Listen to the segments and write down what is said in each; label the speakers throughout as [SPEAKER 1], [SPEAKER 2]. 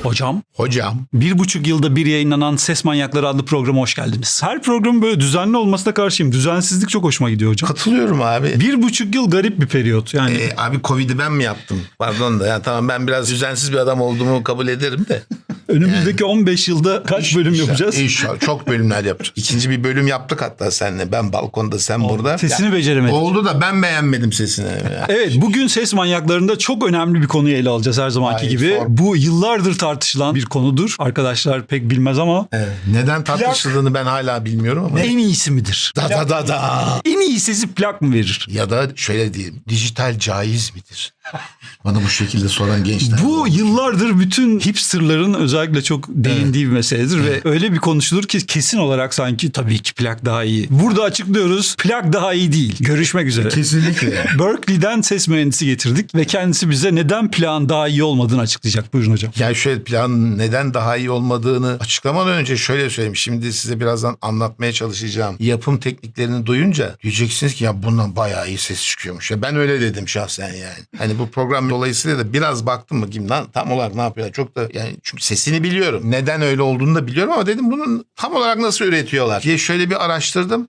[SPEAKER 1] Hocam.
[SPEAKER 2] 1,5 yılda bir yayınlanan Ses Manyakları adlı programa hoş geldiniz. Her programın böyle düzenli olmasına karşıyım. Düzensizlik çok hoşuma gidiyor hocam.
[SPEAKER 1] Katılıyorum abi.
[SPEAKER 2] 1,5 yıl garip bir periyot. Yani
[SPEAKER 1] Abi Covid'i ben mi yaptım? Pardon da. Yani tamam, ben biraz düzensiz bir adam olduğumu kabul ederim de.
[SPEAKER 2] önümüzdeki 15 yılda kaç bölüm yapacağız?
[SPEAKER 1] İnşallah. Çok bölümler yapacağız. İkinci bir bölüm yaptık hatta seninle. Ben balkonda, sen burada.
[SPEAKER 2] Sesini beceremedik.
[SPEAKER 1] Oldu da ben beğenmedim sesini.
[SPEAKER 2] Evet, bugün Ses Manyakları'nda çok önemli bir konuyu ele alacağız her zamanki gibi. Bu yıllardır tartışılan bir konudur. Arkadaşlar pek bilmez ama
[SPEAKER 1] Evet. Neden tartışıldığını ben hala bilmiyorum ama.
[SPEAKER 2] en iyisi midir?
[SPEAKER 1] Da.
[SPEAKER 2] En iyi sesi plak mı verir?
[SPEAKER 1] Ya da şöyle diyeyim. Dijital caiz midir? Bana bu şekilde soran gençler.
[SPEAKER 2] Bu yıllardır bütün hipsterların özellikle çok değindiği bir meseledir ve öyle bir konuşulur ki kesin olarak sanki tabii ki plak daha iyi. Burada açıklıyoruz, plak daha iyi değil. Görüşmek üzere.
[SPEAKER 1] Kesinlikle.
[SPEAKER 2] Berkeley'den ses mühendisi getirdik ve kendisi bize neden plağın daha iyi olmadığını açıklayacak. Buyurun hocam.
[SPEAKER 1] Yani şöyle, plan neden daha iyi olmadığını açıklamadan önce şöyle söyleyeyim. Şimdi size birazdan anlatmaya çalışacağım. Yapım tekniklerini duyunca diyeceksiniz ki ya bundan bayağı iyi ses çıkıyormuş. Ya ben öyle dedim şahsen yani. Hani bu program dolayısıyla da biraz baktım bakayım lan tam olarak ne yapıyorlar. Çok da yani çünkü sesini biliyorum. Neden öyle olduğunu da biliyorum ama dedim bunun tam olarak nasıl üretiyorlar diye şöyle bir araştırdım.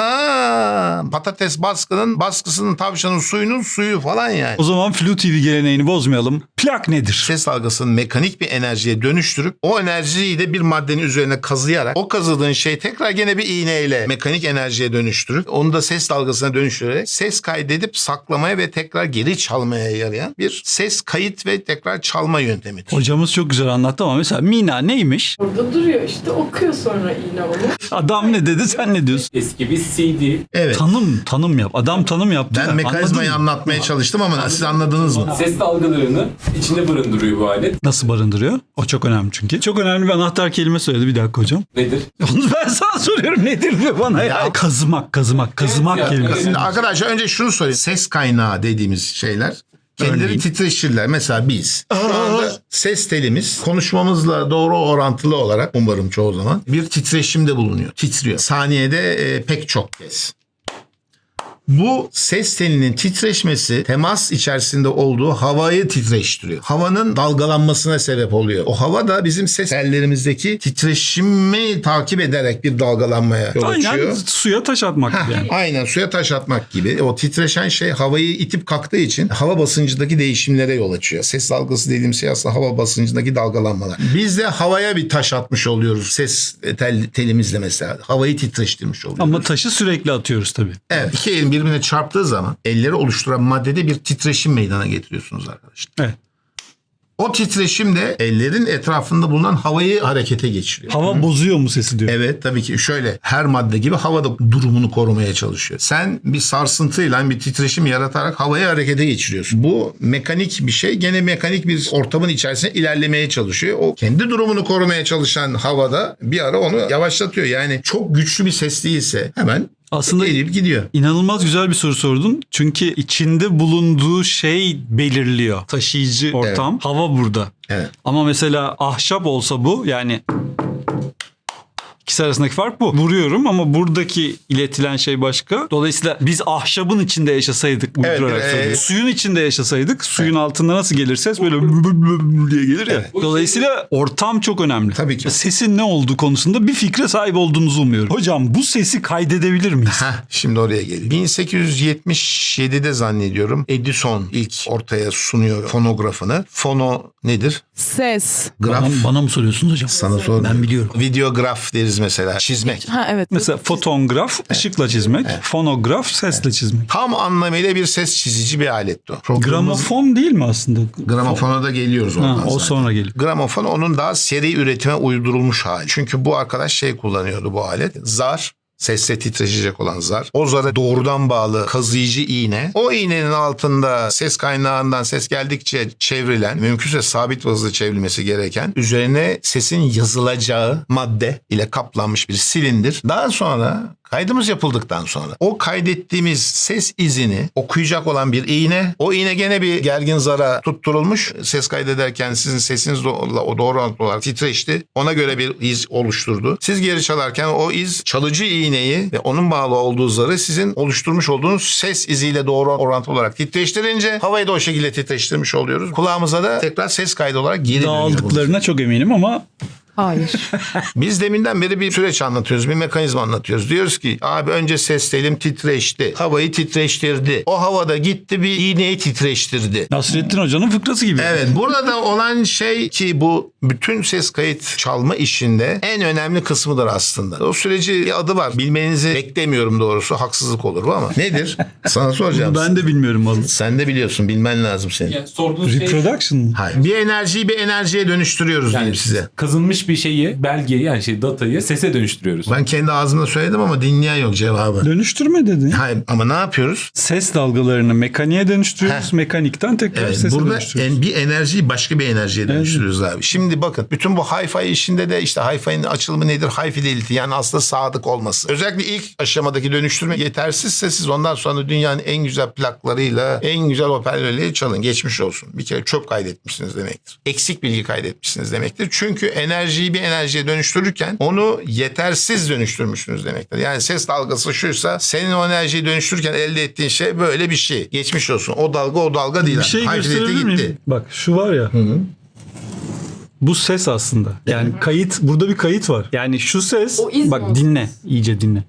[SPEAKER 1] Anam patates baskısının tavşanın suyunun suyu falan yani.
[SPEAKER 2] O zaman Flu TV geleneğini bozmayalım. Plak nedir?
[SPEAKER 1] Ses dalgasını mekanik bir enerjiye dönüştürüp o enerjiyi de bir maddenin üzerine kazıyarak o kazıdığın şey tekrar gene bir iğneyle mekanik enerjiye dönüştürüp onu da ses dalgasına dönüştürerek ses kaydedip saklamaya ve tekrar geri çalmaya yarayan bir ses kayıt ve tekrar çalma yöntemidir.
[SPEAKER 2] Hocamız çok güzel anlattı ama mesela Mina neymiş?
[SPEAKER 3] Orada duruyor işte, okuyor sonra iğne onu.
[SPEAKER 2] Adam ne dedi, sen ne diyorsun?
[SPEAKER 4] Eski bir CD.
[SPEAKER 1] Evet.
[SPEAKER 2] Tanım yap. Adam tanım yaptı.
[SPEAKER 1] Ben
[SPEAKER 2] da,
[SPEAKER 1] mekanizmayı
[SPEAKER 2] anladın mı?
[SPEAKER 1] anlatmaya çalıştım ama siz anladınız mı?
[SPEAKER 4] Ses dalgalarını içinde barındırıyor bu alet.
[SPEAKER 2] Nasıl barındırıyor? O çok önemli çünkü. Çok önemli bir anahtar kelime söyledi, bir dakika hocam.
[SPEAKER 4] Nedir?
[SPEAKER 2] Onu ben sana soruyorum, nedir diyor bana ya. Kazımak
[SPEAKER 4] Evet,
[SPEAKER 2] kelimesi.
[SPEAKER 1] Şimdi arkadaşlar önce şunu söyleyeyim. Ses kaynağı dediğimiz şeyler kendileri
[SPEAKER 2] Örneğin?
[SPEAKER 1] titreşirler. Mesela biz şu anda ses telimiz konuşmamızla doğru orantılı olarak umarım çoğu zaman bir titreşimde bulunuyor. Titriyor. Saniyede pek çok kez. Bu ses telinin titreşmesi temas içerisinde olduğu havayı titreştiriyor. Havanın dalgalanmasına sebep oluyor. O hava da bizim ses tellerimizdeki titreşimi takip ederek bir dalgalanmaya yol açıyor.
[SPEAKER 2] Aynen suya taş atmak gibi yani.
[SPEAKER 1] Aynen suya taş atmak gibi. O titreşen şey havayı itip kalktığı için hava basıncındaki değişimlere yol açıyor. Ses dalgası dediğim şey aslında hava basıncındaki dalgalanmalar. Biz de havaya bir taş atmış oluyoruz ses telimizle mesela. Havayı titreştirmiş oluyoruz.
[SPEAKER 2] Ama taşı sürekli atıyoruz tabii.
[SPEAKER 1] Evet. İki elin birbirine çarptığı zaman elleri oluşturan maddede bir titreşim meydana getiriyorsunuz arkadaşlar.
[SPEAKER 2] Evet.
[SPEAKER 1] O titreşim de ellerin etrafında bulunan havayı harekete geçiriyor.
[SPEAKER 2] Hava bozuyor mu sesi diyor.
[SPEAKER 1] Evet, tabii ki şöyle her madde gibi hava da durumunu korumaya çalışıyor. Sen bir sarsıntıyla bir titreşim yaratarak havayı harekete geçiriyorsun. Bu mekanik bir şey. Gene mekanik bir ortamın içerisinde ilerlemeye çalışıyor. O kendi durumunu korumaya çalışan havada bir ara onu yavaşlatıyor. Yani çok güçlü bir ses değilse hemen
[SPEAKER 2] Aslında
[SPEAKER 1] eğilip gidiyor.
[SPEAKER 2] İnanılmaz güzel bir soru sordun. Çünkü içinde bulunduğu şey belirliyor. Taşıyıcı ortam. Hava burada.
[SPEAKER 1] Evet.
[SPEAKER 2] Ama mesela ahşap olsa bu, yani İkisi arasındaki fark bu. Vuruyorum ama buradaki iletilen şey başka. Dolayısıyla biz ahşabın içinde yaşasaydık, uydurarak söylüyorum. Suyun içinde yaşasaydık, suyun altında nasıl gelir ses? Böyle diye gelir ya.
[SPEAKER 1] Evet.
[SPEAKER 2] Dolayısıyla ortam çok önemli.
[SPEAKER 1] Tabii ki.
[SPEAKER 2] Sesin ne olduğu konusunda bir fikre sahip olduğunuzu umuyorum. Hocam bu sesi kaydedebilir miyiz?
[SPEAKER 1] Şimdi oraya geliyor. 1877'de zannediyorum Edison ilk ortaya sunuyor fonografını. Fono nedir?
[SPEAKER 3] Ses.
[SPEAKER 1] Graf.
[SPEAKER 2] Bana mı soruyorsunuz hocam?
[SPEAKER 1] Sana sormuyorum.
[SPEAKER 2] Ben biliyorum.
[SPEAKER 1] Videograf deriz mesela. Çizmek.
[SPEAKER 3] Ha evet.
[SPEAKER 2] Mesela fotongraf ışıkla çizmek, fonograf sesle çizmek.
[SPEAKER 1] Tam anlamıyla bir ses çizici bir aletti o. Programımız-
[SPEAKER 2] Gramofon değil mi aslında?
[SPEAKER 1] Gramofona da geliyoruz oradan
[SPEAKER 2] Ha, o
[SPEAKER 1] zaten.
[SPEAKER 2] sonra geliyor.
[SPEAKER 1] Gramofon onun daha seri üretime uydurulmuş hali. Çünkü bu arkadaş kullanıyordu bu alet. Zar. Sesle titreşecek olan zar. O zara doğrudan bağlı kazıyıcı iğne. O iğnenin altında ses kaynağından ses geldikçe çevrilen, mümkünse sabit hızla çevrilmesi gereken, üzerine sesin yazılacağı madde ile kaplanmış bir silindir. Daha sonra Kaydımız yapıldıktan sonra o kaydettiğimiz ses izini okuyacak olan bir iğne, o iğne gene bir gergin zara tutturulmuş. Ses kaydederken sizin sesiniz o doğru orantılı olarak titreşti. Ona göre bir iz oluşturdu. Siz geri çalarken o iz çalıcı iğneyi ve onun bağlı olduğu zarı sizin oluşturmuş olduğunuz ses iziyle doğru orantılı olarak titreştirince havayı da o şekilde titreştirmiş oluyoruz. Kulağımıza da tekrar ses kaydı olarak geri dönüyor.
[SPEAKER 2] Dağıldıklarına çok eminim ama
[SPEAKER 3] Hayır.
[SPEAKER 1] Biz deminden beri bir süreç anlatıyoruz, bir mekanizma anlatıyoruz. Diyoruz ki abi önce ses telim titreşti, havayı titreştirdi. O havada gitti bir iğneyi titreştirdi.
[SPEAKER 2] Nasrettin Hoca'nın fıkrası gibi.
[SPEAKER 1] Evet, burada da olan şey ki bu bütün ses kayıt çalma işinde en önemli kısmıdır aslında. O süreci bir adı var. Bilmenizi beklemiyorum doğrusu. Haksızlık olur bu ama. Nedir? Sana soracağım.
[SPEAKER 2] Ben de bilmiyorum vallahi.
[SPEAKER 1] Sen de biliyorsun. Bilmen lazım senin.
[SPEAKER 4] Yani sorduğunuz şey
[SPEAKER 2] Reproduction mı?
[SPEAKER 1] Hayır. Bir enerjiyi bir enerjiye dönüştürüyoruz diyeyim size.
[SPEAKER 4] kazınmış bir şeyi, belgeyi yani datayı sese dönüştürüyoruz.
[SPEAKER 1] Ben kendi ağzımda söyledim ama dinleyen yok cevabı.
[SPEAKER 2] Dönüştürme dedin.
[SPEAKER 1] Hayır ama ne yapıyoruz?
[SPEAKER 2] Ses dalgalarını mekaniğe dönüştürüyoruz. Mekanikten tekrar
[SPEAKER 1] Evet,
[SPEAKER 2] sese
[SPEAKER 1] burada
[SPEAKER 2] dönüştürüyoruz.
[SPEAKER 1] bir enerjiyi başka bir enerjiye dönüştürüyoruz abi. Şimdi bakın bütün bu hi-fi işinde de işte hi-fi'nin açılımı nedir? High fidelity yani aslında sadık olması. Özellikle ilk aşamadaki dönüştürme yetersizse siz ondan sonra dünyanın en güzel plaklarıyla en güzel hoparlörleri çalın. Geçmiş olsun. Bir kere çöp kaydetmişsiniz demektir. Eksik bilgi kaydetmişsiniz demektir. Çünkü enerjiyi bir enerjiye dönüştürürken onu yetersiz dönüştürmüşsünüz demektir. Yani ses dalgası şuysa senin o enerjiyi dönüştürürken elde ettiğin şey böyle bir şey. Geçmiş olsun. O dalga değil.
[SPEAKER 2] Bir şey
[SPEAKER 1] High fidelity
[SPEAKER 2] gösterebilir miyim? Bak şu var ya. Bu ses aslında. Yani kayıt, burada bir kayıt var. Yani şu ses,
[SPEAKER 3] O iz mi
[SPEAKER 2] bak
[SPEAKER 3] o?
[SPEAKER 2] dinle, iyice dinle.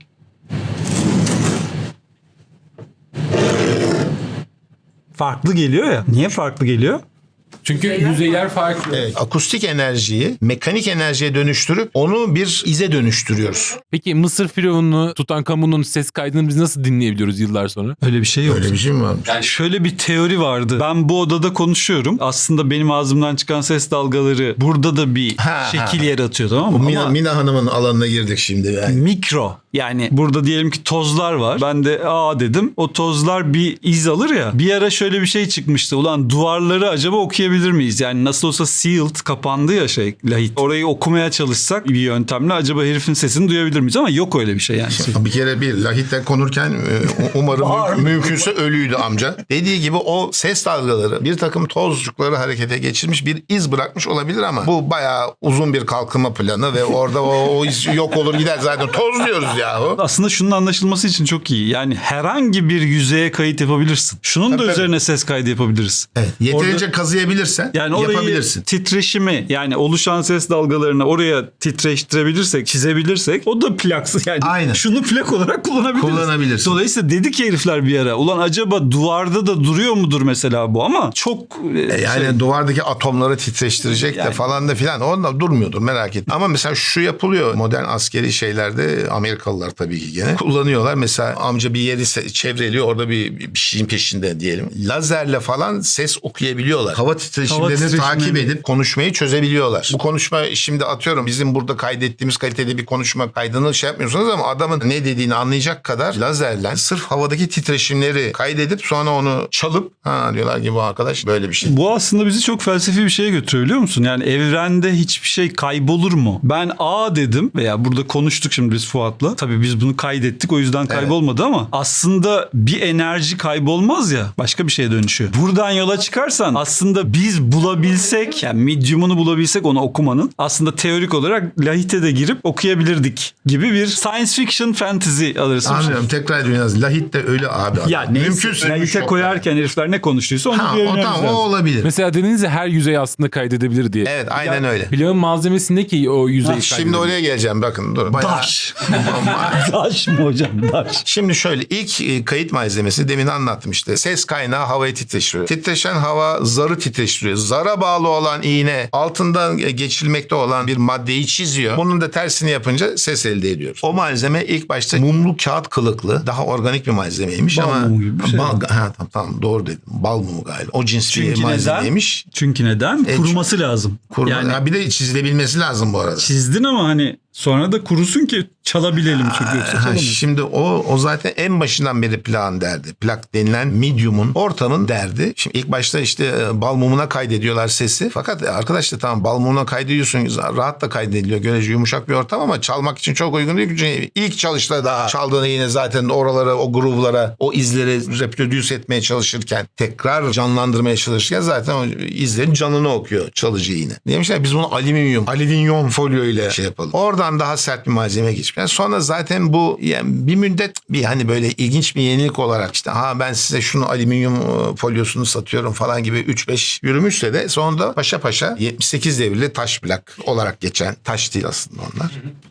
[SPEAKER 2] Farklı geliyor ya. Niye farklı geliyor?
[SPEAKER 4] Çünkü yüzeyler farklı.
[SPEAKER 1] Evet, akustik enerjiyi mekanik enerjiye dönüştürüp onu bir ize dönüştürüyoruz.
[SPEAKER 4] Peki Mısır Firavunu Tutankamon'un ses kaydını biz nasıl dinleyebiliyoruz yıllar sonra?
[SPEAKER 2] Öyle bir şey yok.
[SPEAKER 1] Öyle bir şey mi var?
[SPEAKER 2] Yani şöyle bir teori vardı. Ben bu odada konuşuyorum. Aslında benim ağzımdan çıkan ses dalgaları burada da bir şekil yaratıyor, tamam mı? Ama
[SPEAKER 1] Mina Hanım'ın alanına girdik şimdi. Yani.
[SPEAKER 2] mikro. Yani burada diyelim ki tozlar var. Ben de dedim. O tozlar bir iz alır ya. Bir ara şöyle bir şey çıkmıştı. Ulan duvarları acaba okuyabilir miyiz? Yani nasıl olsa sealed, kapandı ya lahit. Orayı okumaya çalışsak bir yöntemle acaba herifin sesini duyabilir miyiz? Ama yok öyle bir şey yani.
[SPEAKER 1] Bir kere bir lahitle konurken umarım mümkünse ölüydü amca. Dediği gibi o ses dalgaları bir takım tozcukları harekete geçirmiş bir iz bırakmış olabilir ama bu bayağı uzun bir kalkınma planı ve orada o iz yok olur gider zaten toz diyoruz yahu.
[SPEAKER 2] Aslında şunun anlaşılması için çok iyi. Yani herhangi bir yüzeye kayıt yapabilirsin. Şunun da üzerine ses kaydı yapabiliriz.
[SPEAKER 1] Evet, yeterince kazıyabilirsen
[SPEAKER 2] Yani orayı
[SPEAKER 1] yapabilirsin.
[SPEAKER 2] titreşimi yani oluşan ses dalgalarını oraya titreştirebilirsek, çizebilirsek o da plaksı yani.
[SPEAKER 1] Aynen.
[SPEAKER 2] Şunu plak olarak
[SPEAKER 1] Kullanabilirsin.
[SPEAKER 2] Dolayısıyla dedik herifler bir ara. Ulan acaba duvarda da duruyor mudur mesela bu ama çok
[SPEAKER 1] Yani duvardaki atomları titreştirecek de falan da filan. Onda durmuyordur merak etme. Ama mesela şu yapılıyor. Modern askeri şeylerde Amerikalılar tabii ki gene kullanıyorlar. Mesela amca bir yeri çevreliyor. Orada bir şeyin peşinde diyelim. Lazerle falan ses okuyabiliyorlar. Hava titreşimlerini takip edip konuşmayı çözebiliyorlar. Bu konuşma şimdi atıyorum bizim burada kaydettiğimiz kalitede bir konuşma kaydını şey yapmıyorsunuz ama adamın ne dediğini anlayacak kadar lazerle sırf havadaki titreşimleri kaydedip sonra onu çalıp diyorlar ki bu arkadaş böyle bir şey.
[SPEAKER 2] Bu aslında bizi çok felsefi bir şeye götürüyor biliyor musun? Yani evrende hiçbir şey kaybolur mu? Ben A dedim veya burada konuştuk şimdi biz Fuat'la. Tabii biz bunu kaydettik o yüzden kaybolmadı ama aslında bir enerji kaybolmaz ya başka bir şeye dönüşüyor. Buradan yola çıkarsan aslında biz bulabilsek yani medium'unu bulabilsek onu okumanın aslında teorik olarak lahite de girip okuyabilirdik gibi bir science fiction fantasy alırsın.
[SPEAKER 1] Anlıyorum tekrar ediyorum. Lahit de öyle abi.
[SPEAKER 2] Ya neyse lahite koyarken herifler ne konuştuysa onu diyebiliriz.
[SPEAKER 1] Tamam o olabilir.
[SPEAKER 4] Mesela dediniz ya her yüzey aslında kaydedebilir diye.
[SPEAKER 1] Evet aynen öyle.
[SPEAKER 4] Plağın malzemesindeki o yüzeyi
[SPEAKER 1] Şimdi oraya geleceğim bakın. Dur.
[SPEAKER 2] Daş. Daş mı hocam? Daş.
[SPEAKER 1] Şimdi şöyle ilk kayıt malzemesi demin anlattım işte. Ses kaynağı havayı titreştiriyor. Titreşen hava zarı titreştiriyor. Zara bağlı olan iğne altından geçilmekte olan bir maddeyi çiziyor. Bunun da tersini yapınca ses elde ediyoruz. O malzeme ilk başta mumlu kağıt kılıklı daha organik bir malzemeymiş
[SPEAKER 2] Bal
[SPEAKER 1] ama
[SPEAKER 2] mumu gibi bir şey.
[SPEAKER 1] tamam doğru dedim. Bal mumu galiba. O cins
[SPEAKER 2] Çünkü
[SPEAKER 1] bir malzemeymiş.
[SPEAKER 2] Çünkü neden? Kuruması lazım.
[SPEAKER 1] Yani bir de çizilebilmesi lazım bu arada.
[SPEAKER 2] Çizdin ama hani Sonra da kurusun ki çalabilelim çünkü yoksa
[SPEAKER 1] Ha,
[SPEAKER 2] çalamayız.
[SPEAKER 1] şimdi o zaten en başından beri plan derdi. Plak denilen medium'un, ortamın derdi. Şimdi ilk başta işte bal mumuna kaydediyorlar sesi. Fakat arkadaşlar tamam bal mumuna kaydediyorsun, rahat da kaydediliyor. Görece yumuşak bir ortam ama çalmak için çok uygun değil. Çünkü ilk çalışta daha çaldığını yine zaten oralara, o groove'lara, o izleri reproduce etmeye çalışırken, tekrar canlandırmaya çalışırken zaten o izlerin canını okuyor çalıcı yine. Demişler biz bunu alüminyum folyo ile şey yapalım. Oradan daha sert bir malzeme geçmiş. Yani sonra zaten bu yani bir müddet bir hani böyle ilginç bir yenilik olarak işte ben size şunu alüminyum folyosunu satıyorum falan gibi 3-5 yürümüşse de sonunda paşa paşa 78 devirli taş plak olarak geçen, taş değil aslında onlar.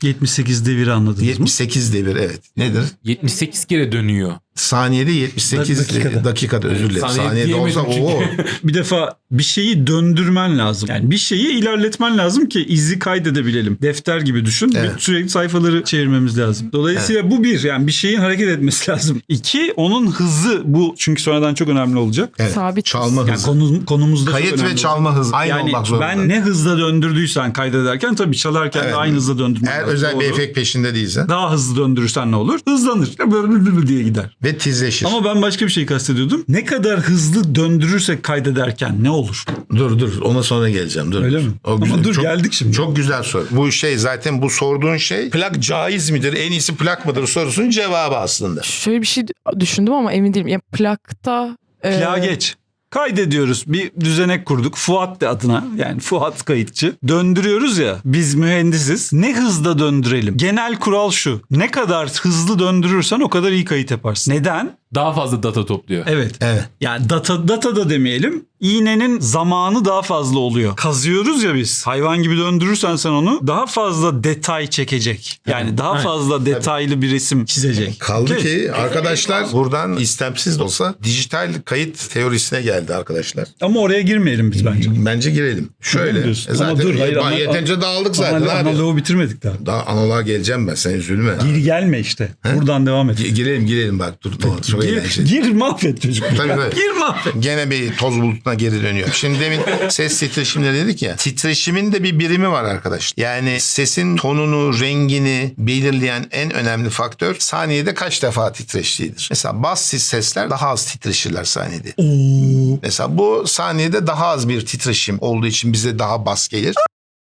[SPEAKER 2] 78 deviri anladınız mı?
[SPEAKER 1] 78 devir evet. Nedir?
[SPEAKER 4] 78 kere dönüyor.
[SPEAKER 1] Saniyede 78 dakikada özür dilerim. Saniyede olsa
[SPEAKER 4] diyemedim
[SPEAKER 1] o.
[SPEAKER 2] Bir defa bir şeyi döndürmen lazım. Yani bir şeyi ilerletmen lazım ki izi kaydedebilelim. Defter gibi düşün.
[SPEAKER 1] Evet.
[SPEAKER 2] Sürekli sayfaları çevirmemiz lazım. Dolayısıyla bu bir. Yani bir şeyin hareket etmesi lazım. İki, onun hızı bu. Çünkü sonradan çok önemli olacak.
[SPEAKER 1] Evet.
[SPEAKER 3] Sabit.
[SPEAKER 1] Çalma
[SPEAKER 2] Yani
[SPEAKER 1] hızı.
[SPEAKER 2] konumuzda çok
[SPEAKER 1] Kayıt
[SPEAKER 2] önemli
[SPEAKER 1] ve çalma hızı aynı
[SPEAKER 2] yani
[SPEAKER 1] olmak zorunda.
[SPEAKER 2] ben ne hızla döndürdüysen kaydederken tabii çalarken
[SPEAKER 1] Evet.
[SPEAKER 2] de aynı hızla döndürmen
[SPEAKER 1] Eğer
[SPEAKER 2] lazım.
[SPEAKER 1] özel bir
[SPEAKER 2] Doğru.
[SPEAKER 1] efekt peşinde değilse
[SPEAKER 2] Daha hızlı döndürürsen ne olur? Hızlanır. Böyle diye gider.
[SPEAKER 1] ve tizleşir.
[SPEAKER 2] Ama ben başka bir şey kastediyordum. Ne kadar hızlı döndürürsek kaydederken ne olur?
[SPEAKER 1] Dur ona sonra geleceğim. Dur.
[SPEAKER 2] Öyle mi?
[SPEAKER 1] O
[SPEAKER 2] Ama
[SPEAKER 1] güzel.
[SPEAKER 2] dur, geldik şimdi.
[SPEAKER 1] Çok güzel soru. Bu şey zaten bu sorduğun şey plak caiz midir? En iyisi plak mıdır sorusunun cevabı aslında.
[SPEAKER 3] Şöyle bir şey düşündüm ama emin değilim. Yani plakta...
[SPEAKER 2] Plağa geç. Kaydediyoruz. Bir düzenek kurduk. Fuat de adına. Yani Fuat kayıtçı. Döndürüyoruz ya. Biz mühendisiz. Ne hızda döndürelim? Genel kural şu. Ne kadar hızlı döndürürsen o kadar iyi kayıt yaparsın. Neden?
[SPEAKER 4] Daha fazla data topluyor.
[SPEAKER 2] Evet.
[SPEAKER 1] Evet.
[SPEAKER 2] Yani data da demeyelim. İğnenin zamanı daha fazla oluyor. Kazıyoruz ya biz. Hayvan gibi döndürürsen sen onu daha fazla detay çekecek. Yani daha fazla detaylı bir resim çizecek.
[SPEAKER 1] Kaldı
[SPEAKER 2] Okey.
[SPEAKER 1] ki arkadaşlar buradan istemsiz de olsa dijital kayıt teorisine geldi arkadaşlar.
[SPEAKER 2] Ama oraya girmeyelim biz bence.
[SPEAKER 1] Bence girelim. Şöyle.
[SPEAKER 2] diyorsun?
[SPEAKER 1] Zaten
[SPEAKER 2] Ama dur, hayır,
[SPEAKER 1] yeterince dağıldık zaten abi.
[SPEAKER 2] Analoğu bitirmedik daha.
[SPEAKER 1] Daha analoğa geleceğim ben, sen üzülme.
[SPEAKER 2] Gir gelme işte. Buradan devam et.
[SPEAKER 1] Girelim bak dur. Çok eğlenceli.
[SPEAKER 2] Gir mahvet çocuk.
[SPEAKER 1] Tabii.
[SPEAKER 2] Gir mahvet.
[SPEAKER 1] Gene bir toz bulutuna geri dönüyor. Şimdi demin ses titreşimleri dedik ya. Titreşimin de bir birimi var arkadaş. Yani sesin tonunu, rengini belirleyen en önemli faktör saniyede kaç defa titreştiğidir. Mesela bassız sesler daha az titreşirler saniyede. Mesela bu saniyede daha az bir titreşim olduğu için bize daha bas gelir.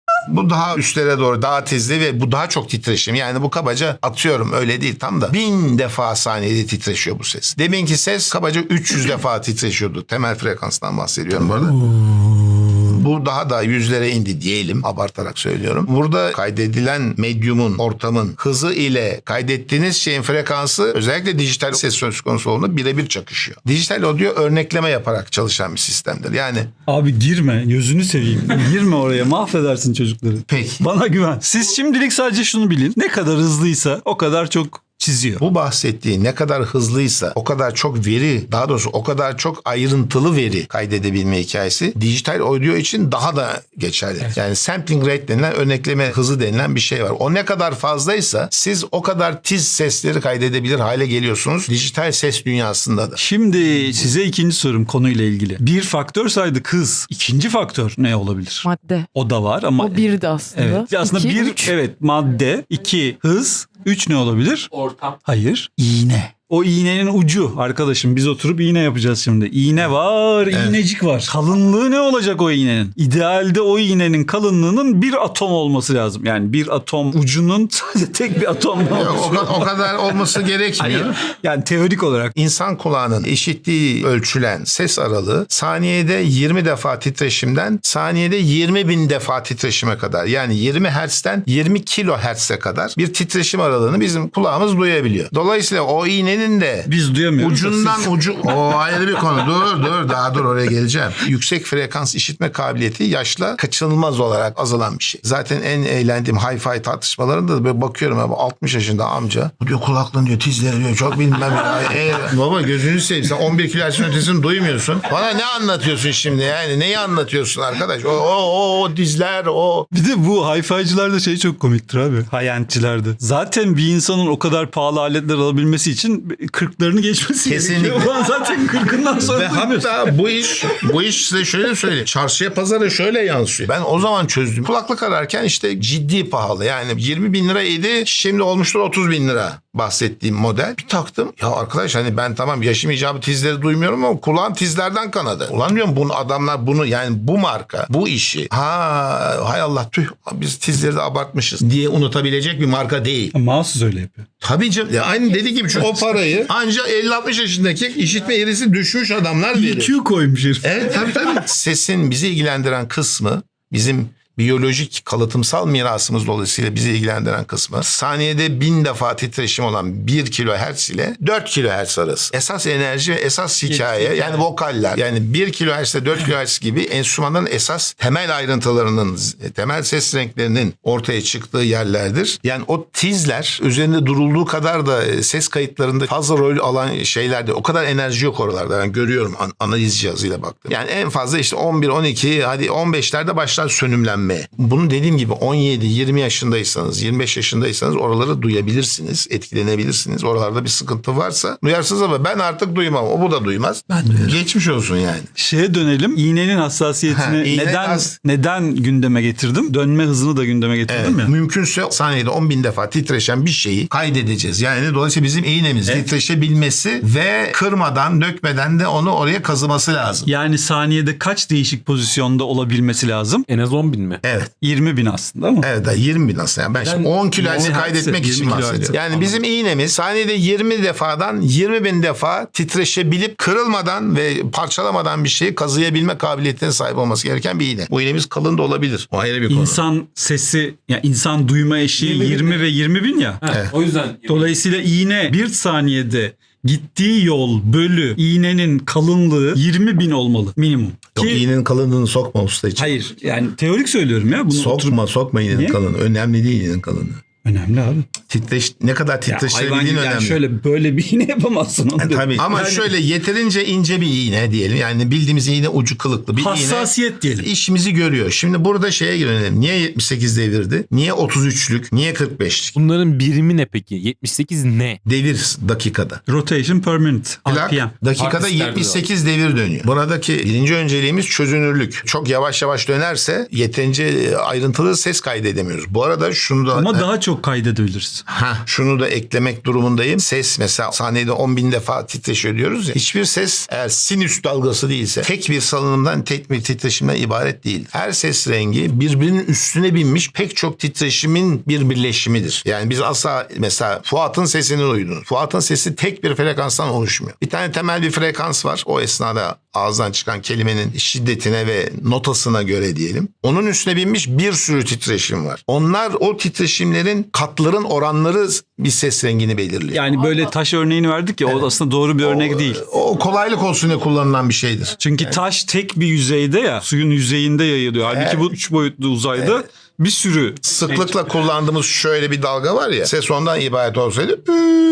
[SPEAKER 1] Bu daha üstlere doğru, daha tizli ve bu daha çok titreşim. Yani bu kabaca atıyorum öyle değil tam da 1000 defa saniyede titreşiyor bu ses. Deminki ses kabaca 300 defa titreşiyordu. Temel frekanstan bahsediyorum bu arada. Bu daha da yüzlere indi diyelim, abartarak söylüyorum. Burada kaydedilen medyumun, ortamın hızı ile kaydettiğiniz şeyin frekansı özellikle dijital ses söz konusu olduğunda birebir çakışıyor. Dijital audio örnekleme yaparak çalışan bir sistemdir. Yani
[SPEAKER 2] Abi girme. Gözünü seveyim. Girme oraya. Mahvedersin çocukları.
[SPEAKER 1] peki.
[SPEAKER 2] Bana güven. Siz şimdilik sadece şunu bilin. Ne kadar hızlıysa o kadar çok çiziyor.
[SPEAKER 1] Bu bahsettiği ne kadar hızlıysa o kadar çok veri, daha doğrusu o kadar çok ayrıntılı veri kaydedebilme hikayesi dijital audio için daha da geçerli. Yani sampling rate denilen, örnekleme hızı denilen bir şey var. O ne kadar fazlaysa siz o kadar tiz sesleri kaydedebilir hale geliyorsunuz. Dijital ses dünyasında da.
[SPEAKER 2] Şimdi size ikinci sorum konuyla ilgili. Bir faktör saydık hız. İkinci faktör ne olabilir?
[SPEAKER 3] Madde.
[SPEAKER 2] O da var ama...
[SPEAKER 3] O birdi aslında.
[SPEAKER 2] Evet. Aslında
[SPEAKER 3] İki,
[SPEAKER 2] bir,
[SPEAKER 3] üç.
[SPEAKER 2] evet, madde. İki, hız. Üç ne olabilir?
[SPEAKER 4] Ortam.
[SPEAKER 2] Hayır. İğne. O iğnenin ucu arkadaşım, biz oturup iğne yapacağız şimdi. İğne var, iğnecik var. Kalınlığı ne olacak o iğnenin? İdealde o iğnenin kalınlığının bir atom olması lazım. Yani bir atom ucunun sadece tek bir atom
[SPEAKER 1] O kadar olması gerekmiyor.
[SPEAKER 2] Hayır. Yani teorik olarak.
[SPEAKER 1] İnsan kulağının işittiği ölçülen ses aralığı saniyede 20 defa titreşimden saniyede 20.000 defa titreşime kadar, yani 20 Hz'den 20 kilohertz'e kadar bir titreşim aralığını bizim kulağımız duyabiliyor. Dolayısıyla o iğnenin de
[SPEAKER 2] Biz duyamıyoruz.
[SPEAKER 1] ucundan o ayrı bir konu. Dur oraya geleceğim. Yüksek frekans işitme kabiliyeti yaşla kaçınılmaz olarak azalan bir şey. Zaten en eğlendiğim hi-fi tartışmalarında da böyle bakıyorum abi 60 yaşında amca. Bu diyor kulaklığın diyor tizleri diyor çok bilmem. Baba gözünü seveyim, sen 11 kilohertz'in ötesini duymuyorsun. Bana ne anlatıyorsun şimdi yani? Neyi anlatıyorsun arkadaş? O dizler o.
[SPEAKER 2] Bir de bu hi-fi'cilerde şey çok komiktir abi. High-end'cilerde. Zaten bir insanın o kadar pahalı aletler alabilmesi için 40'larını geçmesi
[SPEAKER 1] Kesinlikle.
[SPEAKER 2] gerekiyor. Ulan zaten 40'ından sonra
[SPEAKER 1] Ve
[SPEAKER 2] duymuyorsun.
[SPEAKER 1] hatta bu iş size şöyle söyleyeyim. Çarşıya pazara şöyle yansıyor. Ben o zaman çözdüm. Kulaklık ararken işte ciddi pahalı. Yani 20 bin liraydı. Şimdi olmuştur 30 bin lira bahsettiğim model. Bir taktım. Ya arkadaş hani ben tamam yaşım icabı tizleri duymuyorum ama kulağım tizlerden kanadı. Ulan diyorum bunu adamlar bunu yani bu marka bu işi hay Allah tüh biz tizleri de abartmışız diye unutabilecek bir marka değil.
[SPEAKER 2] Mahsus öyle yapıyor.
[SPEAKER 1] Tabii canım. Ya aynı dediği gibi şu o parayı ancak 50-60 yaşındaki işitme eğrisi düşmüş adamlar verir.
[SPEAKER 2] EQ koymuş herif.
[SPEAKER 1] Evet tabii. Sesin bizi ilgilendiren kısmı bizim biyolojik kalıtımsal mirasımız dolayısıyla bizi ilgilendiren kısmı saniyede 1000 defa titreşim olan 1 kilohertz ile 4 kilohertz arası. Esas enerji ve esas hikaye yani vokaller yani 1 kilohertz ile 4 kilohertz gibi enstrümanların esas temel ayrıntılarının temel ses renklerinin ortaya çıktığı yerlerdir. Yani o tizler üzerinde durulduğu kadar da ses kayıtlarında fazla rol alan şeylerde o kadar enerji yok oralarda. Ben görüyorum analiz cihazıyla baktım. Yani en fazla işte 11, 12 hadi 15'lerde başlar sönümlenme. Bunu dediğim gibi 17, 20 yaşındaysanız, 25 yaşındaysanız oraları duyabilirsiniz, etkilenebilirsiniz. Oralarda bir sıkıntı varsa duyarsınız ama ben artık duymam. O bu da duymaz.
[SPEAKER 2] Ben duyarım.
[SPEAKER 1] Geçmiş olsun yani.
[SPEAKER 2] Şeye dönelim. İğnenin hassasiyetini neden gündeme getirdim? Dönme hızını da gündeme getirdim ya.
[SPEAKER 1] Mümkünse saniyede 10 bin defa titreşen bir şeyi kaydedeceğiz. Yani dolayısıyla bizim iğnemiz titreşebilmesi ve kırmadan, dökmeden de onu oraya kazıması lazım.
[SPEAKER 2] Yani saniyede kaç değişik pozisyonda olabilmesi lazım?
[SPEAKER 4] En az 10 bin mi?
[SPEAKER 1] Evet.
[SPEAKER 2] 20 bin aslında ama.
[SPEAKER 1] Evet 20 bin aslında. Yani ben şimdi 10 kilohertz'i kaydetmek
[SPEAKER 2] 20
[SPEAKER 1] için
[SPEAKER 2] kilohertz.
[SPEAKER 1] bahsediyorum. Yani bizim iğnemiz saniyede 20 defadan 20 bin defa titreşebilip kırılmadan ve parçalamadan bir şeyi kazıyabilme kabiliyetine sahip olması gereken bir iğne. Bu iğnemiz kalın da olabilir. O ayrı bir konu.
[SPEAKER 2] İnsan sesi, yani insan duyma eşiği 20 ve 20 bin ya.
[SPEAKER 4] O yüzden.
[SPEAKER 2] Dolayısıyla iğne bir saniyede gittiği yol bölü iğnenin kalınlığı 20 bin olmalı minimum.
[SPEAKER 1] Yok, iğnenin kalınlığını sokma usta için.
[SPEAKER 2] Hayır yani teorik söylüyorum ya. Bunu
[SPEAKER 1] Sokma iğnenin
[SPEAKER 2] Niye?
[SPEAKER 1] kalınlığı. Önemli değil iğnenin kalınlığı.
[SPEAKER 2] Önemli abi.
[SPEAKER 1] Ne kadar
[SPEAKER 2] Ya hayvan
[SPEAKER 1] titreşebildiğin
[SPEAKER 2] gibi yani
[SPEAKER 1] önemli.
[SPEAKER 2] şöyle böyle bir iğne yapamazsın. Onu
[SPEAKER 1] Tabii. Ama
[SPEAKER 2] yani,
[SPEAKER 1] şöyle yeterince ince bir iğne diyelim. Yani bildiğimiz iğne ucu kılıklı bir
[SPEAKER 2] hassasiyet
[SPEAKER 1] iğne.
[SPEAKER 2] diyelim.
[SPEAKER 1] İşimizi görüyor. Şimdi burada şeye girelim. Niye 78 devirdi? Niye 33'lük? Niye 45'lik?
[SPEAKER 4] Bunların birimi ne peki? 78 ne?
[SPEAKER 1] Devir dakikada.
[SPEAKER 2] Rotation per minute.
[SPEAKER 1] Plak
[SPEAKER 2] RPM.
[SPEAKER 1] dakikada
[SPEAKER 4] Artistler
[SPEAKER 1] 78 devir dönüyor. Buradaki birinci önceliğimiz çözünürlük. Çok yavaş yavaş dönerse yeterince ayrıntılı ses kaydedemiyoruz. Bu arada şunu da...
[SPEAKER 2] Ama daha çok kaydedebiliriz.
[SPEAKER 1] Şunu da eklemek durumundayım. Ses mesela saniyede 10 bin defa titreşiyor diyoruz ya. Hiçbir ses eğer sinüs dalgası değilse tek bir salınımdan tek bir titreşimden ibaret değil. Her ses rengi birbirinin üstüne binmiş pek çok titreşimin bir birleşimidir. Yani biz asla mesela Fuat'ın sesini duydunuz. Fuat'ın sesi tek bir frekanstan oluşmuyor. Bir tane temel bir frekans var. O esnada ağızdan çıkan kelimenin şiddetine ve notasına göre diyelim. Onun üstüne binmiş bir sürü titreşim var. Onlar o titreşimlerin katların oranları bir ses rengini belirliyor.
[SPEAKER 2] Yani böyle taş örneğini verdik ya o aslında doğru bir örnek değil.
[SPEAKER 1] O kolaylık olsun diye kullanılan bir şeydir.
[SPEAKER 2] Çünkü taş tek bir yüzeyde ya suyun yüzeyinde yayılıyor. Halbuki bu 3 boyutlu uzayda bir sürü
[SPEAKER 1] Sıklıkla kullandığımız şöyle bir dalga var ya. Ses ondan ibaret olsaydı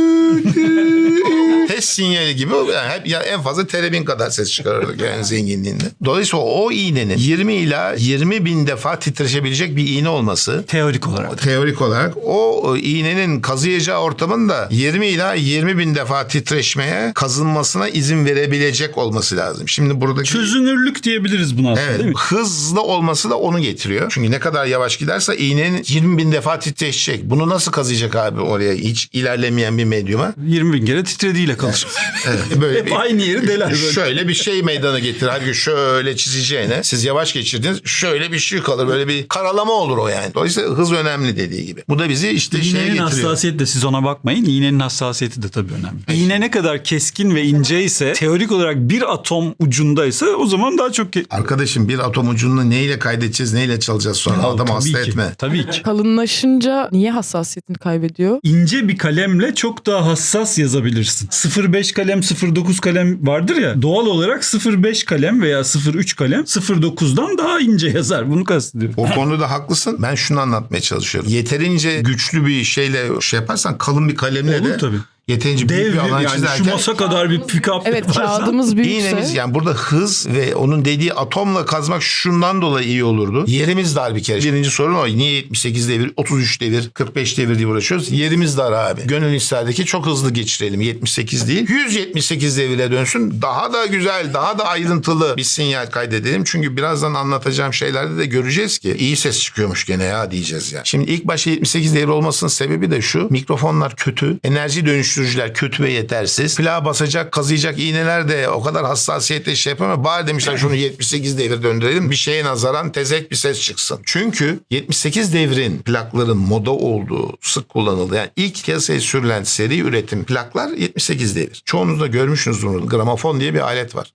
[SPEAKER 1] test sinyali gibi yani hep ya en fazla terebin kadar ses çıkarırdık yani zenginliğinde. Dolayısıyla o iğnenin 20 ila 20 bin defa titreşebilecek bir iğne olması teorik olarak o iğnenin kazıyacağı ortamın da 20 ila 20 bin defa titreşmeye kazınmasına izin verebilecek olması lazım. Şimdi buradaki
[SPEAKER 2] çözünürlük diyebiliriz buna aslında,
[SPEAKER 1] evet,
[SPEAKER 2] değil mi?
[SPEAKER 1] hızlı olması da onu getiriyor. Çünkü ne kadar yavaş giderse iğnenin 20 bin defa titreşecek. Bunu nasıl kazıyacak abi oraya hiç ilerlemeyen bir medyuma?
[SPEAKER 2] 20 bin kere titrediğiyle kalır.
[SPEAKER 1] Evet, böyle
[SPEAKER 2] Hep aynı yeri deler böyle.
[SPEAKER 1] Şöyle bir şey meydana getir. Halbuki şöyle çizeceğine siz yavaş geçirdiniz. Şöyle bir şey kalır. Böyle bir karalama olur o yani. Dolayısıyla hız önemli dediği gibi. Bu da bizi işte şeye
[SPEAKER 2] İğnenin
[SPEAKER 1] getiriyor.
[SPEAKER 2] hassasiyeti de siz ona bakmayın. İğnenin hassasiyeti de tabii önemli. İğne ne kadar keskin ve ince ise teorik olarak bir atom ucundaysa o zaman daha çok...
[SPEAKER 1] Arkadaşım bir atom ucunu neyle kaydedeceğiz neyle çalacağız sonra adamı hasta
[SPEAKER 2] Tabii ki,
[SPEAKER 1] etme.
[SPEAKER 2] tabii ki.
[SPEAKER 3] Kalınlaşınca niye hassasiyetini kaybediyor?
[SPEAKER 2] İnce bir kalemle çok daha hassas yazabilirsin. 0.5 kalem, 0.9 kalem vardır ya. Doğal olarak 0.5 kalem veya 0.3 kalem 0.9'dan daha ince yazar. Bunu kastediyorum.
[SPEAKER 1] O konuda haklısın. Ben şunu anlatmaya çalışıyorum. Yeterince güçlü bir şeyle şey yaparsan kalın bir kalemle
[SPEAKER 2] Olur
[SPEAKER 1] de
[SPEAKER 2] tabii.
[SPEAKER 1] Yeterince büyük
[SPEAKER 2] Dev
[SPEAKER 1] bir alan
[SPEAKER 2] yani
[SPEAKER 1] çizerken
[SPEAKER 2] şu masa kadar bir pick-up
[SPEAKER 3] Evet,
[SPEAKER 2] yaparsan-
[SPEAKER 3] kağıdımız büyükse.
[SPEAKER 1] İğnemiz yani burada hız ve onun dediği atomla kazmak şundan dolayı iyi olurdu. Yerimiz dar bir kere. Birinci sorun o. Niye 78 devir, 33 devir, 45 devir diye uğraşıyoruz? Yerimiz dar abi. Gönül isterdi ki çok hızlı geçirelim. 78 değil. 178 devire dönsün. Daha da güzel, daha da ayrıntılı bir sinyal kaydedelim. Çünkü birazdan anlatacağım şeylerde de göreceğiz ki iyi ses çıkıyormuş gene ya diyeceğiz yani. Şimdi ilk başta 78 devir olmasının sebebi de şu. Mikrofonlar kötü. Enerji dönüştürücüler kötü ve yetersiz. Plağa basacak, kazıyacak iğneler de o kadar hassasiyetle şey yapamıyor. Bari demişler şunu 78 devir döndürelim. Bir şeye nazaran tezek bir ses çıksın. Çünkü 78 devrin plakların moda olduğu, sık kullanıldığı yani ilk piyasaya sürülen seri üretim plaklar 78 devir. Çoğunuz da görmüşsünüzdür bunu. Gramofon diye bir alet var.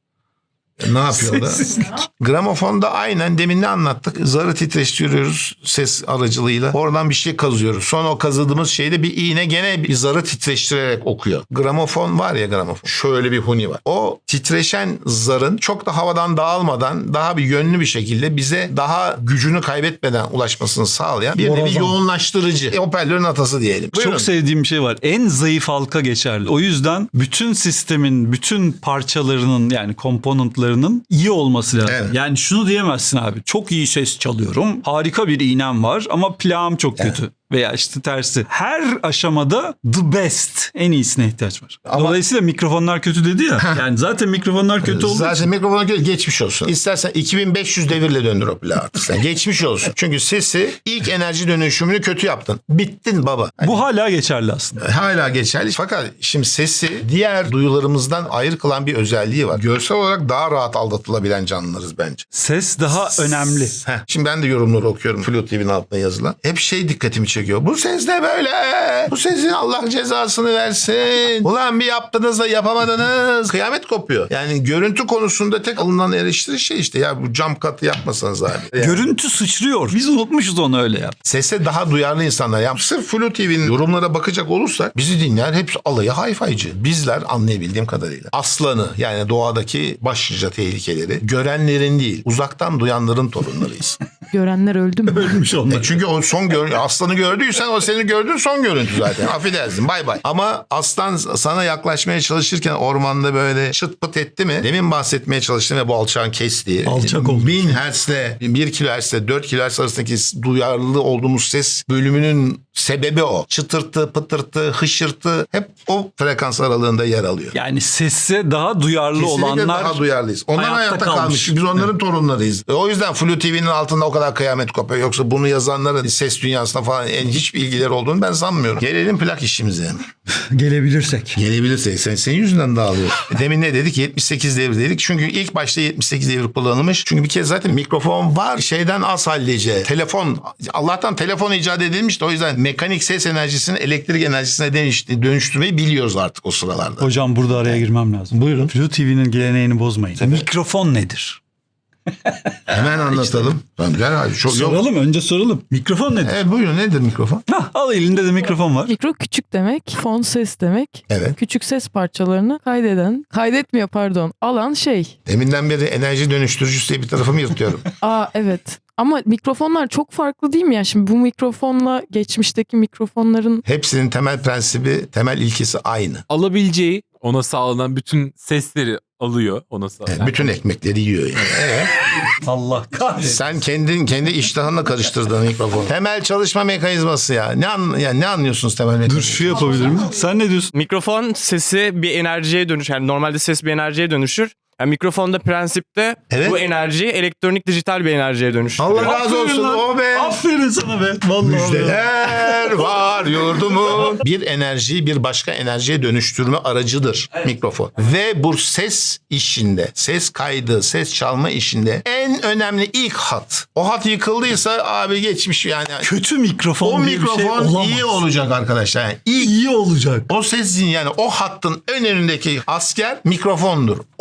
[SPEAKER 1] Ne yapıyor da? Gramofonda aynen demin ne anlattık? Zarı titreştiriyoruz ses aracılığıyla. Oradan bir şey kazıyoruz. Sonra o kazıdığımız şeyde bir iğne gene bir zarı titreştirerek okuyor. Gramofon var ya gramofon. Şöyle bir huni var. O titreşen zarın çok da havadan dağılmadan daha bir yönlü bir şekilde bize daha gücünü kaybetmeden ulaşmasını sağlayan bir nevi
[SPEAKER 2] Borazan.
[SPEAKER 1] yoğunlaştırıcı. Hoparlörün atası diyelim. Buyurun.
[SPEAKER 2] Çok sevdiğim bir şey var. En zayıf halka geçerli. O yüzden bütün sistemin, bütün parçalarının yani komponentlarının iyi olması lazım.
[SPEAKER 1] Evet.
[SPEAKER 2] Yani şunu diyemezsin abi. Çok iyi ses çalıyorum. Harika bir iğnem var ama plağım çok kötü. Veya işte tersi. Her aşamada the best. En iyisine ihtiyaç var.
[SPEAKER 1] Ama-
[SPEAKER 2] Dolayısıyla mikrofonlar kötü dedi ya. Yani zaten mikrofonlar kötü olduğu
[SPEAKER 1] Zaten
[SPEAKER 2] için.
[SPEAKER 1] mikrofona göre geçmiş olsun. İstersen 2500 devirle döndür o plağı artık sen. Geçmiş olsun. Çünkü sesi ilk enerji dönüşümünü kötü yaptın. Bittin baba.
[SPEAKER 2] Bu hala geçerli aslında.
[SPEAKER 1] Hala geçerli. Fakat şimdi sesi diğer duyularımızdan ayrı kılan bir özelliği var. Görsel olarak daha rahat aldatılabilen canlılarız bence.
[SPEAKER 2] Ses daha önemli.
[SPEAKER 1] Şimdi ben de yorumları okuyorum Flu TV'nin altına yazılan. Hep şey dikkatimi çekiyor. Bu ses ne böyle? Bu sesin Allah cezasını versin. Ulan bir yaptınız da yapamadınız. Kıyamet kopuyor. Yani görüntü konusunda tek alınan eleştiri şey işte ya bu cam katı yapmasanız abi. Yani.
[SPEAKER 2] Görüntü sıçrıyor. Biz unutmuşuz onu öyle yap.
[SPEAKER 1] Sese daha duyarlı insanlar. Yani sırf Flu TV'nin yorumlara bakacak olursak bizi dinleyen hepsi alayı hayfaycı. Bizler anlayabildiğim kadarıyla. Aslanı yani doğadaki başlıca tehlikeleri görenlerin değil uzaktan duyanların torunlarıyız.
[SPEAKER 3] Görenler öldü mü?
[SPEAKER 2] Ölmüş onlar.
[SPEAKER 1] Çünkü o son aslanı gördüysen o senin gördüğün son görüntü zaten. Affedersin bay bay. Ama aslan sana yaklaşmaya çalışırken ormanda böyle çıt pıt etti mi? Demin bahsetmeye çalıştım ve bu alçağın kestiği.
[SPEAKER 2] Alçak oldu.
[SPEAKER 1] 1000 Hz'le 1 kHz'le 4 kHz arasındaki duyarlı olduğumuz ses bölümünün sebebi o. Çıtırtı, pıtırtı, hışırtı hep o frekans aralığında yer alıyor.
[SPEAKER 2] Yani sese daha duyarlı
[SPEAKER 1] Kesinlikle
[SPEAKER 2] olanlar
[SPEAKER 1] daha duyarlıyız. Onlar
[SPEAKER 2] hayatta
[SPEAKER 1] hayatta
[SPEAKER 2] kalmış.
[SPEAKER 1] kalmış. Biz onların torunlarıyız. O yüzden Flu TV'nin altında o kadar kıyamet kopuyor. Yoksa bunu yazanların ses dünyasına falan hiçbir ilgileri olduğunu ben sanmıyorum. Gelelim plak işimize.
[SPEAKER 2] gelebilirsek.
[SPEAKER 1] Gelebilirsek. Senin yüzünden dağılıyor. Demin ne dedik? 78 devir dedik. Çünkü ilk başta 78 devir kullanılmış. Çünkü bir kez zaten mikrofon var. Şeyden az hallice. Telefon. Allah'tan telefon icat edilmiş de o yüzden mekanik ses enerjisini elektrik enerjisine dönüştürmeyi biliyoruz artık o sıralarda.
[SPEAKER 2] Hocam burada araya girmem lazım.
[SPEAKER 1] Buyurun.
[SPEAKER 2] Flu TV'nin geleneğini bozmayın. Mikrofon nedir?
[SPEAKER 1] Hemen anlatalım. Tamam, gel hadi. Çok yok.
[SPEAKER 2] Soralım önce soralım. Mikrofon nedir?
[SPEAKER 1] Evet buyurun nedir mikrofon?
[SPEAKER 2] Hah, al elinde de mikrofon var.
[SPEAKER 3] Mikro küçük demek, fon ses demek.
[SPEAKER 1] Evet.
[SPEAKER 3] Küçük ses parçalarını kaydetmiyor pardon, alan şey.
[SPEAKER 1] Deminden beri enerji dönüştürücüsü diye bir tarafımı yırtıyorum.
[SPEAKER 3] Aa evet. Ama mikrofonlar çok farklı değil mi ya? Şimdi bu mikrofonla geçmişteki mikrofonların
[SPEAKER 1] Hepsinin temel prensibi, temel ilkesi aynı.
[SPEAKER 4] Alabileceği ona sağlanan bütün sesleri alıyor ona sağlanan.
[SPEAKER 1] Bütün ekmekleri yiyor yani. Evet.
[SPEAKER 2] Allah kahretsin.
[SPEAKER 1] Sen kendi iştahınla karıştırdın mikrofonu. Temel çalışma mekanizması ya. Ne anlıyorsunuz temel
[SPEAKER 2] Dur
[SPEAKER 1] mekanizması?
[SPEAKER 2] şu yapabilir miyim? Sen ne diyorsun?
[SPEAKER 5] Mikrofon sesi bir enerjiye dönüşür. Yani normalde ses bir enerjiye dönüşür. Yani mikrofonda prensipte
[SPEAKER 1] Evet.
[SPEAKER 5] bu enerjiyi elektronik dijital bir enerjiye dönüştürüyor.
[SPEAKER 1] Allah razı olsun
[SPEAKER 2] lan.
[SPEAKER 1] o be.
[SPEAKER 2] Aferin sana be. Vallahi.
[SPEAKER 1] Müjdeler var yurdumun. Bir enerjiyi bir başka enerjiye dönüştürme aracıdır mikrofon. Ve bu ses işinde, ses kaydı, ses çalma işinde en önemli ilk hat. O hat yıkıldıysa abi geçmiş yani.
[SPEAKER 2] Kötü mikrofon
[SPEAKER 1] O
[SPEAKER 2] diye bir şey
[SPEAKER 1] mikrofon
[SPEAKER 2] olamaz.
[SPEAKER 1] iyi olacak arkadaşlar. Yani
[SPEAKER 2] İyi olacak.
[SPEAKER 1] o sesin yani o hattın en önündeki asker mikrofondur. O iyi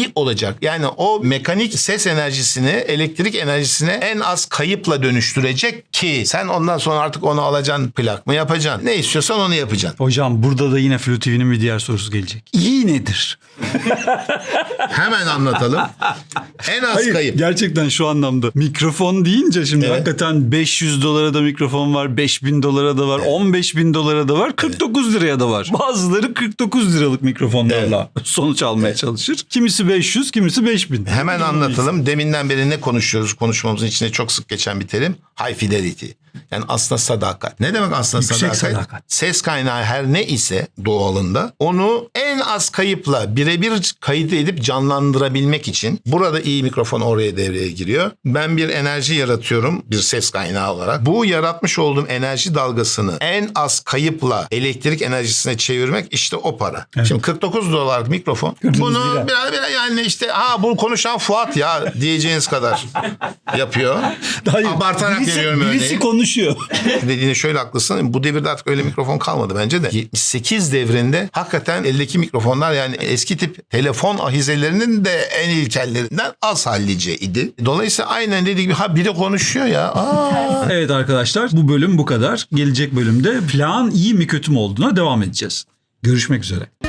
[SPEAKER 1] iyi olacak. Yani o mekanik ses enerjisini elektrik enerjisine en az kayıpla dönüştürecek ki sen ondan sonra artık onu alacaksın, plak mı yapacaksın? Ne istiyorsan onu yapacaksın.
[SPEAKER 2] Hocam burada da yine Flu TV'nin bir diğer sorusu gelecek. İyi nedir?
[SPEAKER 1] Hemen anlatalım. En az kayıp.
[SPEAKER 2] Gerçekten şu anlamda. Mikrofon deyince şimdi
[SPEAKER 1] Evet.
[SPEAKER 2] hakikaten 500 dolara da mikrofon var, 5000 dolara da var, 15.000 dolara da var, 49 liraya da var. Bazıları 49 liralık mikrofonlarla sonuç almaya çalışır. Kimisi 500, kimisi 5000.
[SPEAKER 1] Hemen anlatalım. Deminden beri ne konuşuyoruz? Konuşmamızın içinde çok sık geçen bir terim. High fidelity. Yani aslında sadakat. Ne demek aslında
[SPEAKER 2] Yüksek
[SPEAKER 1] sadakat?
[SPEAKER 2] sadakat.
[SPEAKER 1] Ses kaynağı her ne ise doğalında onu en az kayıpla birebir kayıt edip canlandırabilmek için burada iyi mikrofon oraya devreye giriyor. Ben bir enerji yaratıyorum bir ses kaynağı olarak. Bu yaratmış olduğum enerji dalgasını en az kayıpla elektrik enerjisine çevirmek işte o para. Şimdi 49 dolarlık mikrofon. Bunu
[SPEAKER 2] lira.
[SPEAKER 1] biraz yani işte bu konuşan Fuat ya diyeceğiniz kadar yapıyor. Abartarak veriyorum
[SPEAKER 2] birisi
[SPEAKER 1] örneği.
[SPEAKER 2] konuşuyor.
[SPEAKER 1] Dediğine şöyle haklısın. Bu devirde artık öyle mikrofon kalmadı bence de. 78 devrinde hakikaten eldeki mikrofonlar yani eski tip telefon ahizelerinin de en ilkellerinden az hallice idi. Dolayısıyla aynen dediği gibi biri konuşuyor ya.
[SPEAKER 2] Evet arkadaşlar bu bölüm bu kadar. Gelecek bölümde plağın iyi mi kötü mü olduğuna devam edeceğiz. Görüşmek üzere.